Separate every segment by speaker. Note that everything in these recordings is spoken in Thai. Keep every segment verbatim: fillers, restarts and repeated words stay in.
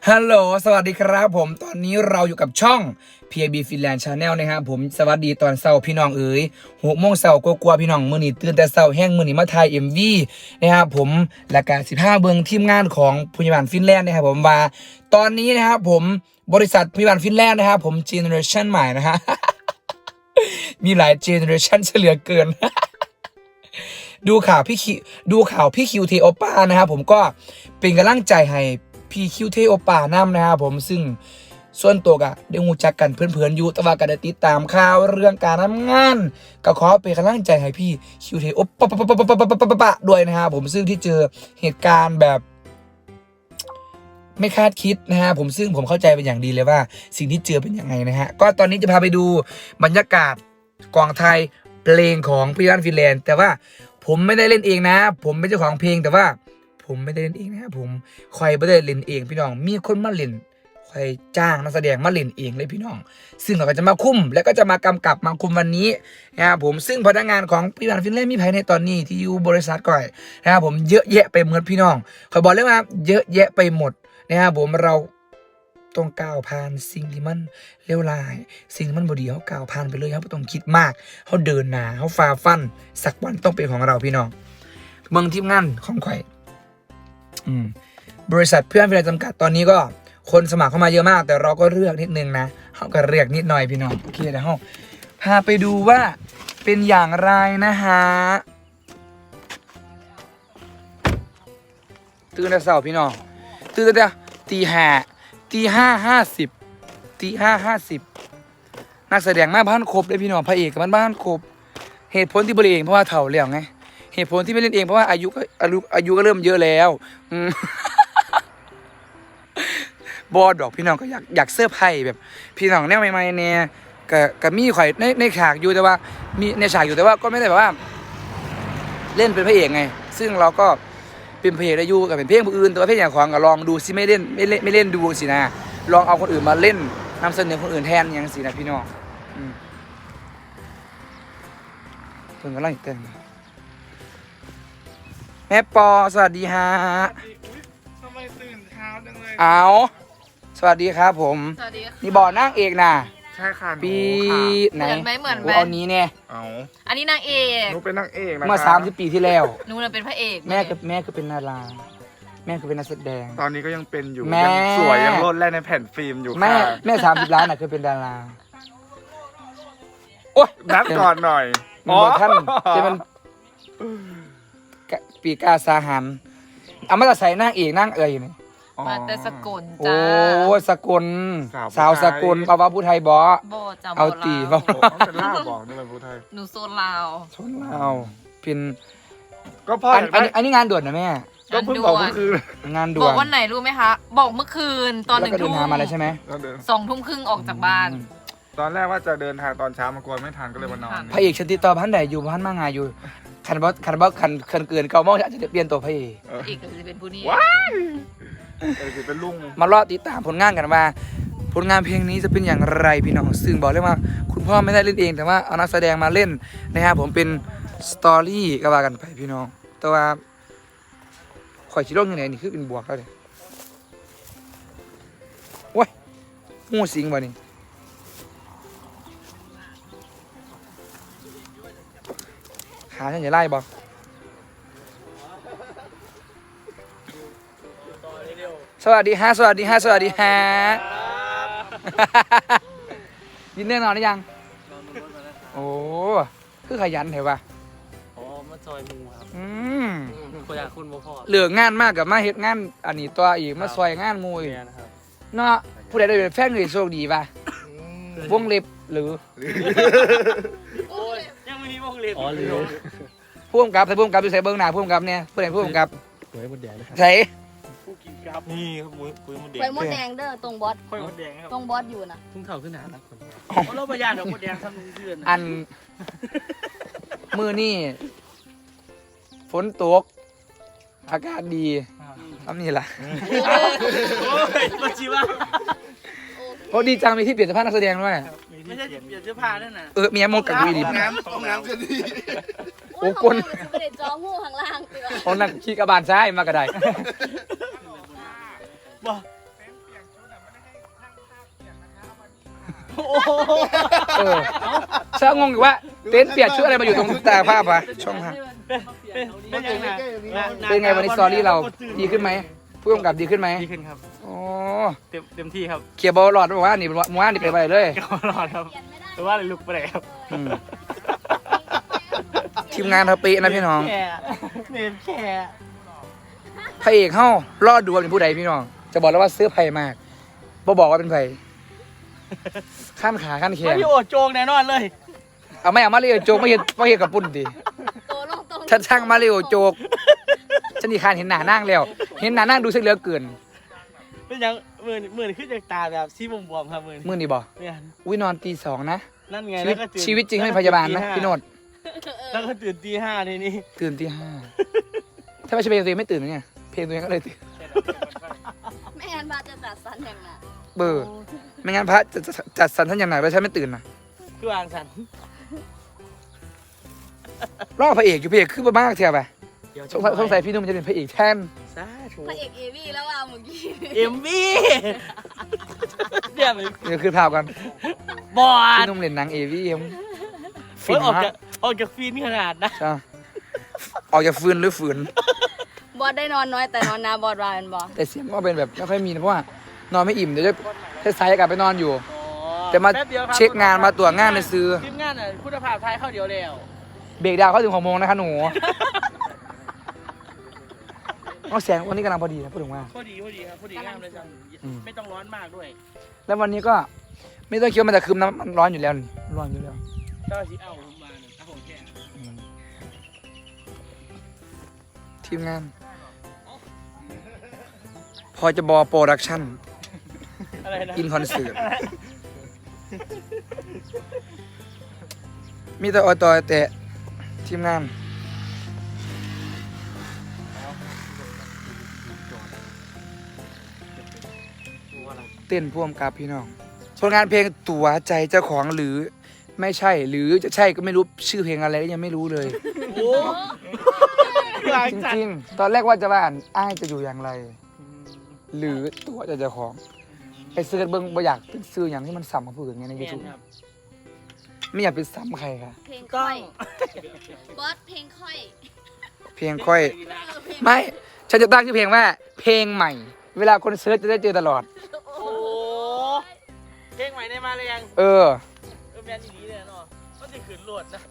Speaker 1: ฮัลโหลสวัสดีครับผมตอนนี้เราอยู่กับช่อง พี ไอ บี Finland Channel นะครับผมสวัสดีตอนเช้าพี่น้องเอ๋ยหกโมงเช้ากลัวๆพี่น้องมื้อนี้ตื่นแต่เช้าแห้งมื้อนี้มาถ่าย เอ็ม วี นะครับผมและก็สิบห้าเบิ่งทีมงานของพยาบาลฟินแลนด์นะครับผมว่าตอนนี้นะครับผมบริษัทพยาบาลฟินแลนด์นะครับผมเจเนอเรชันใหม่นะฮะ มีหลายเจเนอเรชันเฉลือเกิน ดูข่าวพี่คิวดูข่าวพี่คิวเทโอป้านะครับผมก็เป็นกำลังใจให้พี่คิวเทโอป้านำนะครับผมซึ่งส่วนตัวก็ได้รู้จักกันเพื่อนๆอยู่แต่ว่าก็ได้ติดตามข่าวเรื่องการทำงานก็ขอเป็นกำลังใจให้พี่คิวเทโอป้าปะปะปะปะปะปะปะปะด้วยนะครับผมซึ่งที่เจอเหตุการณ์แบบไม่คาดคิดนะฮะผมซึ่งผมเข้าใจเป็นอย่างดีเลยว่าสิ่งที่เจอเป็นยังไงนะฮะก็ตอนนี้จะพาไปดูบรรยากาศกองไทยเพลงของพี่บ้านฟินแลนด์แต่ว่าผมไม่ได้เล่นเองนะผมเป็นเจ้าของเพลงแต่ว่าผมไม่ได้เล่นเองนะครับผมคอยไม่ได้เล่นเองพี่น้องมีคนมาเล่นคอยจ้างนักแสดงมาเล่นเองเลยพี่น้องซึ่งเราก็จะมาคุมแล้วก็จะมากำกับมาคุมวันนี้นะครับผมซึ่งพนักงานของพี่บ้านฟินแลนด์มีภายในตอนนี้ที่อยู่บริษัทก่อยนะครับผมเยอะแยะไปหมดพี่น้องคอยบอกเลยว่าเยอะแยะไปหมดนะครับผมเราต้องก้าวผ่านสิ่งที่มันเลวร้ายสิ่งที่มันบดีเขาก้าวผ่านไปเลยครับไม่ต้องคิดมากเขาเดินหน้าเขาฝ่าฟันสักวันต้องเป็นของเราพี่น้องเมืองทีมงานของข่อยอืมบริษัทเพื่อนเวลาจำกัดตอนนี้ก็คนสมัครเข้ามาเยอะมากแต่เราก็เลือกนิดนึงนะเขาก็เลือกนิดหน่อยพี่น้องโอเคเดี๋ยวเราพาไปดูว่าเป็นอย่างไรนะฮะตื่นแต่เช้าพี่น้องตื่นแต่ตีห้าตีห้าห้าสิบตีห้าห้าสิบนักแสดงมาบ้านครบเลยพี่น้องพระเอกกับบ้านครบเหตุผลที่บริเองเพราะว่าเฒ่าแล้วไงเหตุผลที่ไม่เล่นเองเพราะว่าอายุก็อายุอายุก็เริ่มเยอะแล้วอืม บอดอกพี่น้องก็อยากอยากเสื้อร์ไผ่แบบพี่น้องแนวใหม่ๆเนี่ยกับกับมีข่อยในในฉากอยู่แต่ว่ามีในฉากอยู่แต่ว่าก็ไม่ได้แบบว่า เล่นเป็นพระเอกไงซึ่งเราก็เป็นพระเอกได้อยู่กับเป็นเพลงผู้อื่นแต่ว่าเพลงอย่างของก็ลองดูสิไม่เล่นไม่เล่นไม่เล่นดูสินะลองเอาคนอื่นมาเล่นนำเสนอคนอื่นแทนอย่างสินะพี่น้องอืมเพิ่งกำลังเต้นแม่ปอสวัสดีฮะ
Speaker 2: ทำไมตื่นเช้าจังเลย
Speaker 1: เอาสวัสดีครับผม
Speaker 3: สวัสดีค่ะ
Speaker 1: นี่บอนั่งเอกนะ
Speaker 2: ใช่ค่ะหนู
Speaker 1: ปี
Speaker 2: ค่ะ
Speaker 1: ไหน
Speaker 3: เหมือนไหมเหมือนไหม
Speaker 1: โเอานี้เนี่ย
Speaker 2: เอา
Speaker 3: อันนี้นางเอก
Speaker 2: หนูเป็นนางเอกนะคะ
Speaker 1: เมื่อสามสิบปีที่แล้ว
Speaker 3: หนูน่ะเป็นพระเอก
Speaker 1: แม่คือแม่คือเป็นนาราแม่คือเป็นนักแสดง
Speaker 2: ตอนนี้ก็ยังเป็นอยู่
Speaker 1: แม่
Speaker 2: ยังสวยยังโลดแล่นในแผ่นฟิล์มอยู่
Speaker 1: แม่
Speaker 2: ค่ะ
Speaker 1: แม่สามสิบล้านน่ะคือเป็นดาราโอ๊ย
Speaker 2: นัดก่อนหน่อย
Speaker 1: มันบอกท่านจะเป็นกะปีกาสาหันเอามาจะใส่นั่งเอกนั่งเอ่ยนี่
Speaker 2: อ๋อ
Speaker 3: มาแต่สกล
Speaker 1: โอ้
Speaker 3: จ้า
Speaker 1: สกล
Speaker 2: สาวผู้ไทย
Speaker 1: สาวสกลปาวาผู้ไทยบอ
Speaker 3: โบจ้า
Speaker 1: เอาตี
Speaker 3: โบ
Speaker 1: เอา
Speaker 2: โอ้เขาเป็นล่าบอกนี่เป็นผู้ไทย
Speaker 3: หนูโซนลาว
Speaker 1: ชนเราเป็น
Speaker 2: ก็พ่อ
Speaker 1: อัน
Speaker 2: อยาก
Speaker 1: อัน
Speaker 2: ได้
Speaker 1: นี้อันนี้งานด่วนนะแม่
Speaker 2: ก็เพิ่งบอกเมื่อคืน
Speaker 1: งานด่
Speaker 3: บ
Speaker 1: ว
Speaker 3: อน กวันไหนรู้ไหมคะ บอกเมื่อคืนตอนห
Speaker 1: แล้ว
Speaker 3: นึ่ง
Speaker 1: ก็เดิ
Speaker 3: ทุ่
Speaker 1: น
Speaker 3: ม
Speaker 1: ทางมาแล้วใช่ไหม
Speaker 2: แล้วเดิน
Speaker 3: สองทุ่มครึ่งออกจากบ้าน
Speaker 2: ตอนแรกว่าจะเดินทางตอนเช้ามากลัวไม่ทันก็เลยมานอน
Speaker 1: พระเอกชติต่อพันใดอยู่พันมางานอยู่คันบอสคันบอสคันคันเกินเก้าโมงอาจจะเปลี่ยนตัวพระเอก
Speaker 2: เออ
Speaker 3: อีกก็จะเป็นผู้นี้
Speaker 2: ว้ายเออคือเป็นลุง
Speaker 1: มารอติดตามผลงานกันว่าผลงานเพลงนี้จะเป็นอย่างไรพี่น้องซึ่งบอกเลยว่าคุณพ่อไม่ได้เล่นเองแต่ว่าเอานักแสดงมาเล่นนะครับผมเป็นสตอรี่ก็ว่ากันไปพี่น้องแต่ว่าข่อยชิโร่ยังไงนี่คือเป็นบวกแล้วเลยโอ้ยงูสิงบ่นี่ขาฉันจะไล่บ่สวัสดีฮะสวัสดีฮะสวัสดีฮะยินเรื่องนอนหรือยังโอ้คือขยันเถอะวะ
Speaker 4: อ๋อมาจอยมูครับ
Speaker 1: อืม
Speaker 4: คนอยากคุณบ่พ่อ
Speaker 1: เหลืองานมากกับมาเฮ็ดงานอันนี้ตัวอีกมาซอยงานหมูอีก
Speaker 4: เมียนะครับ
Speaker 1: เนาะผู้ใดได้เป็นแฟนเลยโชคดีป่ะวงเล็บหรือ
Speaker 4: ยังไม่มีวงเล็บอ๋อหรือ
Speaker 1: ผู้กำกับใส่ผู้กำกับอยู่ใส่เบิ้งหน้าผู้กำกับเนี่ยผู้ใดผู้กำกับ
Speaker 4: หวยมดแดงนะครับ
Speaker 1: ใส่
Speaker 4: ผู้กินครับนี่ครับหวยหวยมดแดง
Speaker 5: ไฟมดแดงเด้อตรงบอส
Speaker 4: หวยมดแดงครับ
Speaker 5: ตรงบอสอยู่นะ
Speaker 4: ทุ่งเท่าขึ้นหนาครับคนเราประหยัดดอกมดแดงทำนุ่งเดือน
Speaker 1: อันมือนี่ฝนตกอากาศดีทำนี่ล่ะ
Speaker 4: โอ้ยมาชีวะ
Speaker 1: โอ้ดีจังมีที่เปลี่ยนเสื้อผ้านักแสดงด้วย
Speaker 4: ไม่ใช่เปลี่ยนเสื้อผ้านั่นน่ะ
Speaker 1: เออเมียมงกับดูดี
Speaker 2: น้ำต้องน้ำกันดี
Speaker 1: โอ้กล
Speaker 5: ไม่ได้จ้องูข้างล่างดีกว่า
Speaker 1: คนนั้นขี้กระบาลซ้ายมากระได
Speaker 4: บ่โอ้โห
Speaker 1: เออช่างงงอยู่ว่าเต็นท์เปียกชุดอะไรมาอยู่ตรงตาภาพวะช่องทาง
Speaker 4: เป็นเป็นยังไง
Speaker 1: เป็นไงวันนี้สตอรี่เราดีขึ้นไหมผู้กำกับดีขึ้นไหม
Speaker 4: ดีขึ้นครับ
Speaker 1: อ๋อ
Speaker 4: เต็มเต็มที่ครับ
Speaker 1: เคลียร์บอลหลอดบอกว่านี่มัวนี่ไปไปเลย
Speaker 4: ก็รอดครับหรือว่าอะไรลุกไปไหนครับ
Speaker 1: อืมทีมงานเราเป๊ะนะพี่น้อง
Speaker 4: แค่เนมแค่
Speaker 1: พระเอกเฮ้ารอดดูว่าเป็นผู้ใดพี่น้อง จะบอกแล้วว่าเสื้อไผ่มากบ่บอกว่าเป็นไผ่ขั้นขาขั้นแข
Speaker 4: ไม่
Speaker 1: น
Speaker 4: พี่โอโจงแน่นอนเลย
Speaker 1: เอาไม่เอามาเรียวโจกไม่เห็นไม่เห็นกับปุ่นดิ
Speaker 5: โตลงตรง
Speaker 1: ฉันช่างมาเรียวโจกฉันนี่คานเห็นหน้านั่งแล้ว เห็นหน้านั่งดูเสียเหลือเกิน
Speaker 4: เป็นยังหมื่นหมื่นขึ้นจากตาแบบซีบวมๆครับหมื่น
Speaker 1: มื่อนี่บอก
Speaker 4: เนี่ย
Speaker 1: วินอนตีสองนะ
Speaker 4: นั่นไง
Speaker 1: ชีวิ
Speaker 4: แล้
Speaker 1: ต
Speaker 4: วก็ตื่น
Speaker 1: ชีวิตจริงให้พยาบาลนะพี่โนด
Speaker 4: แล้วก็ตื่นตีห้าทีนี้
Speaker 1: ตื่นตีห้าถ้าไม่ใช่เพลงตัวเองไม่ตื่นนะเนี่ยเพลงตัวเองก็เลยตื่น
Speaker 5: ไม่งั้นบาจะตัดสันอย่างน่ะ
Speaker 1: เบอร์ไม่งั้นพระจะจะจัดสรรท่านอย่างไหนแล้วฉันไม่ตื่นนะ
Speaker 4: คือวางสัน
Speaker 1: รอบพระเอกอยู่พระเอกคือบ้ามากเทียบไป
Speaker 4: เดี๋ยว
Speaker 1: สงสัยสงสัยพี่นุ่มจะเป็นพระเอกแทน
Speaker 4: สาธุ
Speaker 5: พระเอกเอวี่แล้วว่าเมื่อกี้
Speaker 4: เอ็มวีเดี๋ยวมัน
Speaker 1: เดี๋ยวคือพาวกัน
Speaker 4: บอ
Speaker 1: พี่
Speaker 4: ด
Speaker 1: นุ่มเล่นหนังเอวีเอ็มฟิ
Speaker 4: เฮ้ย
Speaker 1: น
Speaker 4: ออก
Speaker 1: มาก
Speaker 4: จากออกจากฟินขนาดนะ
Speaker 1: ใช่ออกจากฟืนหรือฝืน
Speaker 5: บอสได้นอนน้อยแต่นอนนาบอสวาเป็นบอส
Speaker 1: แต่เสียงก็เป็นแบบไม่ค่อยมีนะเพราะว่านอนไม่อิ่มเดี๋ยวจะสายๆกลับไปนอนอยู่ แต่มา
Speaker 4: แป๊บดียวครับ
Speaker 1: เช็คงานมาตรวจงานในซื้อ
Speaker 4: ทีมงานอ่ะคุณภาพท้ายเข้าเดียวแล้ว
Speaker 1: เบรกดาวน์เข้าถึงหกโมงนะคะหนูเอาแสงวันนี้กำลังพอดีนะพูดถึงว่า
Speaker 4: พอดีพอดีครับพอดีงามเลยจัง
Speaker 1: อืม
Speaker 4: ไม่ต้องร้อนมากด้วย
Speaker 1: แล้ววันนี้ก็ไม่ต้องคิดว่ามันจะคืมน้ำมันร้อนอยู่แล้วนี่ร้อนอยู่แล้ว
Speaker 4: เจ้าสิเอาผมมาเนี่ยเอาผมแค่
Speaker 1: อืมทีมงาน พอจะบอโปรดักชั่น
Speaker 4: อะไรนะ
Speaker 1: อินคอนเสิร์ตมีแต่ออตอแต่ทีมงาน เต้นพ่วงกับพี่น้องผลงานเพลงตัวใจเจ้าของหรือไม่ใช่ หรือจะใช่ก็ไม่รู้ชื่อเพลงอะไรก็ยังไม่รู้เลย
Speaker 4: โอ้หลาย
Speaker 1: จ
Speaker 4: จัด
Speaker 1: ริงๆ ตอนแรกว่าจะว่าอ่านอ้ายจะอยู่อย่างไร หรือตัวใจเจ้าของไปซื้อกันเบิ้งบ่อยากเป็นซื้ออย่างที่มันซ้ำกับผู้อื่นไงในยู
Speaker 4: แม
Speaker 1: ทู
Speaker 4: น
Speaker 1: บ
Speaker 4: ครับ
Speaker 1: ไม่อยากเป็นซ้ำใครค่ะ
Speaker 5: เพลง
Speaker 4: ต้
Speaker 5: ค่
Speaker 4: อ
Speaker 5: อง ยบอสเพลงค่อย
Speaker 1: เพลงค่อย
Speaker 5: เออเพลง
Speaker 1: ไม่ ฉันจะตั้งชื่อเพลงว่า เพลงใหม่ เวลาคนเซิร์ชจะได้เจอตลอด
Speaker 5: โอ้
Speaker 4: โอ้เพลงใหม่ได้มาเลยยัง
Speaker 1: เออ
Speaker 4: เออแมนอย่างนี้เลยเนาะมันจะขืนโหลดนะ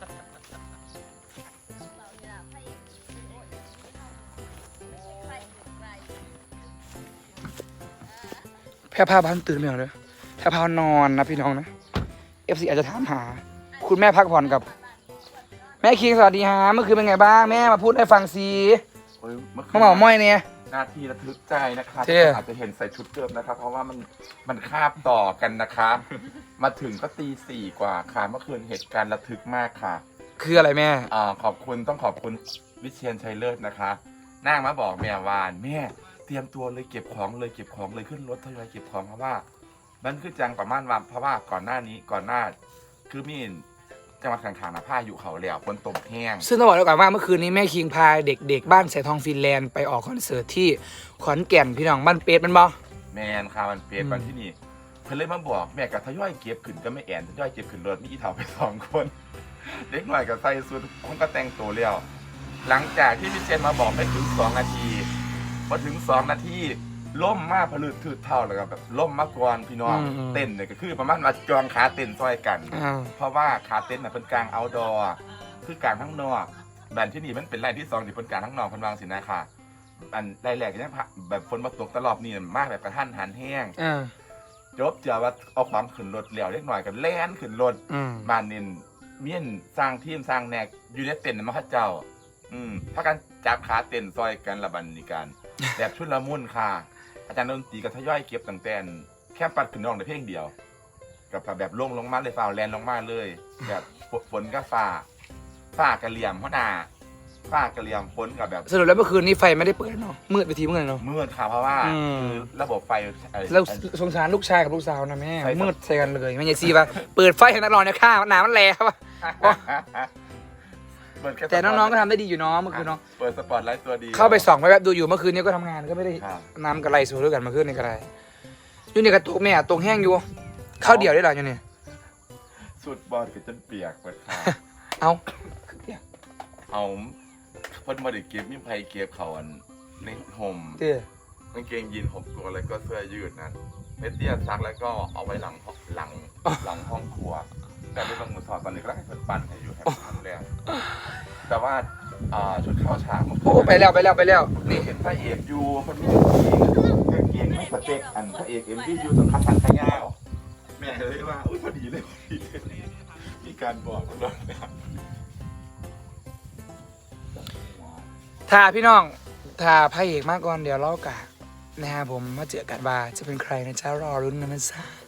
Speaker 5: เราเนี่ยพระเอกใครใคร
Speaker 1: แพร่พาบ้านตื่นไม่เหรอเลยแพร่พานอนนะพี่น้องนะ เอฟซีอาจจะถามหา คุณแม่พักผ่อนกับ แม่คิงสวัสดีฮะเมื่อคืนเป็นไงบ้างแม่มาพูดให้ฟังสิ
Speaker 2: โอ้ยเมื่อคื
Speaker 1: มาเหมาม้อยเนี่ย
Speaker 2: นาทีระทึกใจนะคะ
Speaker 1: เท่
Speaker 2: อาจจะเห็นใส่ชุดเดิมนะครับ เพราะว่ามันมันคาบต่อกันนะคะมาถึงก็ตีสี่กว่าค่ะเมื่อคืนเหตุการณ์ระทึกมากค่ะ
Speaker 1: คืออะไรแม่
Speaker 2: อ่าขอบคุณต้องขอบคุณวิเชียนชัยเลิศนะคะนั่งมาบอกแม่วานแม่เตรียมตัวเลยเก็บของเลยเก็บของเลยขึ้นรถทยอยเก็บของเพราะว่า มันคือจังประมาณว่าเพราะว่าก่อนหน้านี้ก่อนหน้า คือมีจังหวัดข้างๆนะผ้าอยู่เขาแล้วฝนตกแห้ง
Speaker 1: ซึ่งต้องบอกไว้ก่อนว่าเมื่อคืนนี้แม่คิงพาเด็กๆ บ้านแสงทองฟินแลนด์ไปออกคอนเสิร์ตที่ขอนแก่นพี่น้องบ้านเป็ดมันบ่
Speaker 2: แมนค่ะมันเปลี่ยน
Speaker 1: อืม
Speaker 2: วันที่นี่เพิ่นเลยมาบอกแม่กับทยอยเก็บขึ้นก็ไม่แอนทยอยเก็บขึ้นรถมีอีเถาไปสองคน เด็กหน่อยกับใส่สุดคงก็แต่งตัวเลี้ยวหลังจากที่พี่เจนมาบอกไม่ถึงสองนาทีพอถึงสองนาทีล่มมากผลึกถืดเท่าแล้วก็แบบล่มมากกวนพี่น้องเต้นเนี่ยก็คือประมาณมาจองขาเต้นซอยกัน
Speaker 1: อ่า
Speaker 2: เพราะว่าขาเต้นน่ะเป็นกลางเอาท์ดอร์คือกลางทั้งนอกแบรนด์ที่นี่มันเป็นแรกที่สองที่เป็นกลางทั้งนอกเพันวางสินะค่ะอันแรกๆก็ยังแบบฝนมาตกตลอดนี่มากแบบกระทันหันแห้ง
Speaker 1: อ่า
Speaker 2: จบเจอว่าเอาความขึ้นรถเหลียวเล็กหน่อยกันแล่นขึ้นรถ
Speaker 1: อืม
Speaker 2: บ้านนินเมียนสร้างทีมสร้างแนกอยู่ในเต็นท์มาข้าเจ้า อืมพากันจับขาเต็นท์ซอยกันละบันนี่กัน แบบชุดละมุนค่ะ อาจารย์ดนตรีก็ทยอยเก็บตั้งแต่แค่ปัดขึ้นน้องในเพลงเดียว กับแบบลงลงมาเลยฝ่าแลนลงมาเลย แบบฝนก็ฝ่าฝ่ากระเหลี่ยมหัวหน้าฝ่ากระเหลี่ยมฝนกับแบบ
Speaker 1: สรุปแล้วเมื่อคืนนี้ไฟไม่ได้เปิดเนาะมืดไปทีมืดเนาะ
Speaker 2: มืดค่ะเพราะว่า
Speaker 1: อืม
Speaker 2: คือระบบไฟเอ่อ
Speaker 1: แล้วสงสารลูกชายกับลูกสาวนะแม่
Speaker 2: ใช่ครับ
Speaker 1: มืดใส่กันเลยไม่ใช่ซีป่ะเปิดไฟให้นักร้องเนี่ยข้าหนามันแรงครับ
Speaker 2: เปิดค่
Speaker 1: แต่น้องๆก็ทำได้ดีอยู่เนาะเมื่อคืนเนาะ
Speaker 2: เปิดสปอตไลท์ตัวดี
Speaker 1: เข้าไปส่องไปแวบดูอยู่เมื่อคืนนี้ก็ทำงานก็ไม่ได้
Speaker 2: ครับ
Speaker 1: น้ำกระไรสูด้วยกันเมื่อคืนนี้กระไรอยู่นี่กระตุกแม่ตรงแห้งอยู่ข้าวเดียวได้หรออยู่นี่
Speaker 2: สุดบอลก็จนเปียกเปิดค่ะ
Speaker 1: เอา
Speaker 2: เอาเพิ่นมาได้เก็บมีไผเก็บเขาอันในห่ม
Speaker 1: เตี้ย
Speaker 2: กางเกงยีนห่มตัวแล้วก็เสื้อยืดนั้นเมเตี้ยซักแล้วก็เอาไว้หลังห้องหลังหลังห้องครัว แต่ในบางมือสอดตอนนี้ก็ได้ให้เพิ่นปั่นให้อยู่ให้ทำแล้วแต่ว่าอ่าชุดเข้าฉากมัน
Speaker 1: โอ้ไปแล้วไปแล้วไปแล้ว
Speaker 2: นี่
Speaker 1: นี่
Speaker 2: เห็นพระเอกอยู่มันมีกางเกงไม่สเต็กอันพระเอกเอ็มวีอยู่สังคัดทันขยาวแม่เลยว่าอุ้ยพอดีเลยพอดีเลยมีการบอกเรานะครับ
Speaker 1: ถ้าพี่น้องถ้าพระเอกมาก่อนเดี๋ยวเล่ากะนะครับผมมาเจอกันว่าจะเป็นใครนะจ๊ะรอรุ้นกันนะจ๊ะ